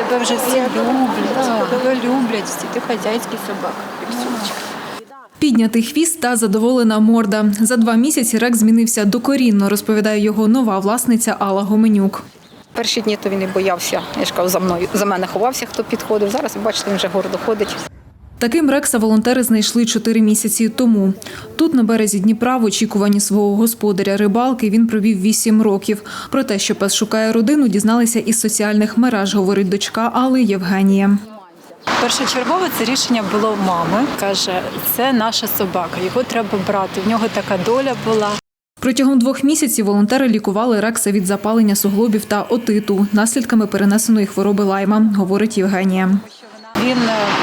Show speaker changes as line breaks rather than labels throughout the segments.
Тебе вже всі люблять, тебе люблять, ти хазяйський собака, піксюнчик.
Піднятий хвіст та задоволена морда. За 2 місяці Рекс змінився докорінно, розповідає його нова власниця Алла Гоменюк.
Перші дні то він і боявся, я ж кажу, за мене ховався, хто підходив. Зараз, бачите, він вже гордо ходить.
Таким Рекса волонтери знайшли 4 місяці тому. Тут, на березі Дніпра, в очікуванні свого господаря рибалки, він провів 8 років. Про те, що пес шукає родину, дізналися із соціальних мереж, говорить дочка Алли Євгенія.
Першочергове це рішення було мами. Каже, це наша собака, його треба брати, в нього така доля була.
Протягом 2 місяців волонтери лікували Рекса від запалення суглобів та отиту, наслідками перенесеної хвороби лайма, говорить Євгенія.
Він,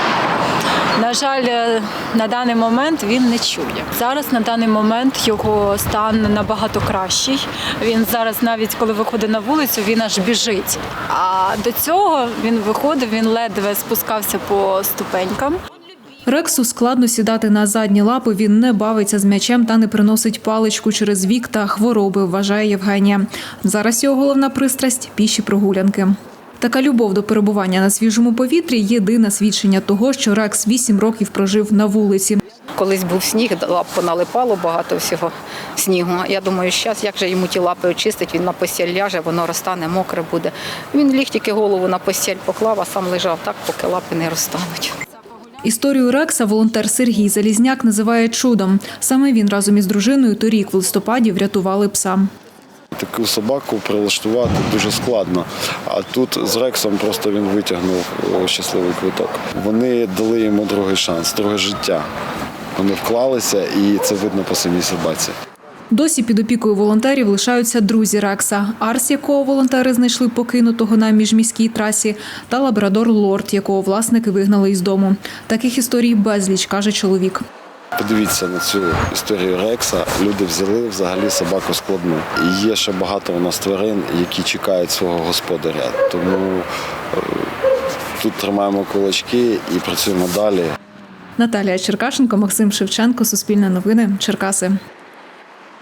на жаль, на даний момент він не чує. Зараз на даний момент його стан набагато кращий. Він зараз навіть коли виходить на вулицю, він аж біжить. А до цього він виходив, він ледве спускався по ступенькам.
Рексу складно сідати на задні лапи, він не бавиться з м'ячем та не приносить паличку через вік та хвороби, вважає Євгенія. Зараз його головна пристрасть – піші прогулянки. Така любов до перебування на свіжому повітрі – єдине свідчення того, що Рекс 8 років прожив на вулиці.
Колись був сніг, лапку налипало багато всього снігу. Я думаю, зараз, як же йому ті лапи очистить, він на постіль ляже, воно розтане, мокре буде. Він ліг тільки голову на постіль поклав, а сам лежав так, поки лапи не розтануть.
Історію Рекса волонтер Сергій Залізняк називає чудом. Саме він разом із дружиною торік в листопаді врятували пса.
Таку собаку прилаштувати дуже складно, а тут з Рексом просто він витягнув щасливий квиток. Вони дали йому другий шанс, друге життя. Вони вклалися і це видно по самій собаці.
Досі під опікою волонтерів лишаються друзі Рекса. Арс, якого волонтери знайшли покинутого на міжміській трасі, та лабрадор Лорд, якого власники вигнали із дому. Таких історій безліч, каже чоловік.
Подивіться на цю історію Рекса. Люди взяли взагалі собаку складну. І є ще багато у нас тварин, які чекають свого господаря. Тому тут тримаємо кулачки і працюємо далі.
Наталія Черкашенко, Максим Шевченко, Суспільне новини, Черкаси.